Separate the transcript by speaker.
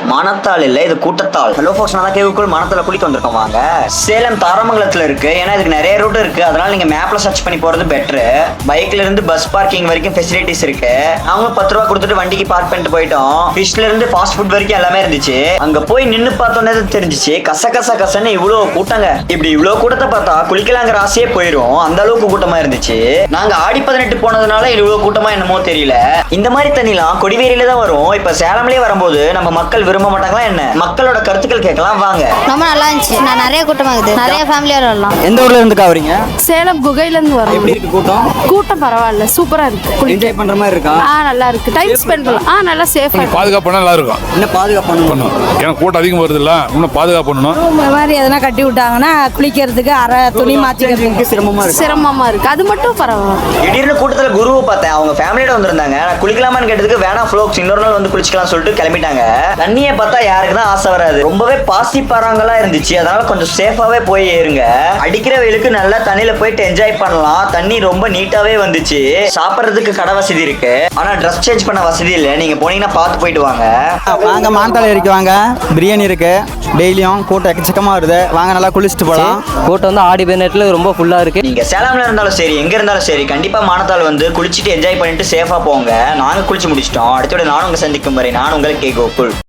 Speaker 1: மானத்தால் இல்ல, இது கூட்டத்தால். ஹலோ ஃபோக்ஸ், நான் கேவுக்குள் மானத்தால குளிக்க வந்திருக்கோம். வாங்க. சேலம் தாராமங்கலத்துல இருக்கு. ஏன்னா இதுக்கு நிறைய ரூட் இருக்கு, அதனால நீங்க மேப்ல சர்ச் பண்ணி போறது பெட்டர். பைக்ல இருந்து பஸ் பார்க்கிங் வரைக்கும் ஃபெசிலிட்டிஸ் இருக்கு. அவங்க 10 ரூபா கொடுத்துட்டு வண்டிக்கு பார்க் பண்ணிட்டு போயிட்டோம். ஃபிஷ்ல இருந்து ஃபாஸ்ட் ஃபுட் வரைக்கும் எல்லாமே இருந்துச்சு. அங்க போய் நின்னு பார்த்தோன்னே தெரிஞ்சிச்சு கச கச கசன்னு இவ்வளவு கூட்டங்க. இப்படி இவ்வளவு கூட்டத்தை பார்த்தா குளிக்கலாங்கிற ஆசையே போயிரும், அந்த அளவுக்கு கூட்டமா இருந்துச்சு. நாங்க ஆடி 18 போனதுனால இவ்வளவு கூட்டமா என்னமோ தெரியல. இந்த மாதிரி தண்ணிலாம் கொடிவேரியில தான் வரும். இப்ப சேலம்லயே வரும்போது நம்ம மக்கள் விரும்ப மாட்டாங்களா என்ன? மக்களோட கருத்துக்கள் கேட்கலாம் வாங்க.
Speaker 2: ரொம்ப நல்லா இருந்துச்சு. நான் நிறைய கூட்டமா இருக்குது, நிறைய ஃபேமிலியோட வரலாம்.
Speaker 3: எந்த ஊர்ல இருந்து வரீங்க?
Speaker 4: சேலம் குகையில இருந்து வரோம்.
Speaker 3: எப்படி இருக்கு கூட்டம்?
Speaker 4: கூட்டம் பரவாயில்ல, சூப்பரா இருக்கு.
Speaker 3: என்ஜாய் பண்ற மாதிரி இருக்கா?
Speaker 4: நல்லா இருக்கு. டைம் ஸ்பெண்ட் பண்ணலாம். நல்லா சேஃபா இருக்கு.
Speaker 5: பாதுகாப்பு நல்லா இருக்கும்.
Speaker 3: என்ன பாதுகாப்பு பண்ணணும்?
Speaker 5: ஏன்னா கூட்டம் அதிகம் வருது இல்ல, இன்னும் பாதுகாப்பு பண்ணணும்.
Speaker 4: இந்த மாதிரி எதனா கட்டி விட்டாங்கன்னா குளிக்கிறதுக்கு அரை துணி மாத்திக்கிறதுக்கு சிரமமா இருக்கு. அது மட்டும் பரவாயில்ல.
Speaker 1: திடீர்னு கூட்டத்துல குருவை பார்த்தேன். அவங்க ஃபேமிலியோட வந்திருந்தாங்க. நான் குளிக்கலாமான்னு கேட்டதுக்கு வேணா ஃப்ளோக்ஸ் இன்னொரு நாள் வந்து குளிச்சுக்கலாம் சொல்லிட்டு கிளம்பிட்டாங்க. தண்ணியை பார்த்தா யாருக்கு தான் ஆசை வராது. ரொம்பவே பாசி பாறாங்களா இருந்துச்சு, அதனால கொஞ்சம் சேஃபாவே போய் ஏறுங்க. அடிக்கிற வெயிலுக்கு நல்லா தண்ணியில போயிட்டு என்ஜாய் பண்ணலாம். தண்ணி ரொம்ப நீட்டாவே வந்துச்சு. சாப்பிட்றதுக்கு கடை வசதி இருக்கு, ஆனா ட்ரெஸ் சேஞ்ச் பண்ண வசதி இல்லை. நீங்க போனீங்கன்னா பார்த்து போயிட்டு வாங்க.
Speaker 3: வாங்க மானத்தால ஏறிக்கு வாங்க. பிரியாணி இருக்கு, டெய்லியும் கூட்டம் எக்கச்சக்கமா வருது. வாங்க நல்லா குளிச்சுட்டு போகலாம்.
Speaker 6: கூட்டம் வந்து ஆடி 18 ரொம்ப ஃபுல்லா இருக்கு.
Speaker 1: நீங்க சேலம்ல இருந்தாலும் சரி, எங்க இருந்தாலும் சரி, கண்டிப்பா மானத்தால் வந்து குளிச்சுட்டு என்ஜாய் பண்ணிட்டு சேஃபா போங்க. நாங்க குளிச்சு முடிச்சிட்டோம். அடுத்தோட நானும் உங்க சந்திக்கும் வரை நான் உங்கள் கே கோகுல்.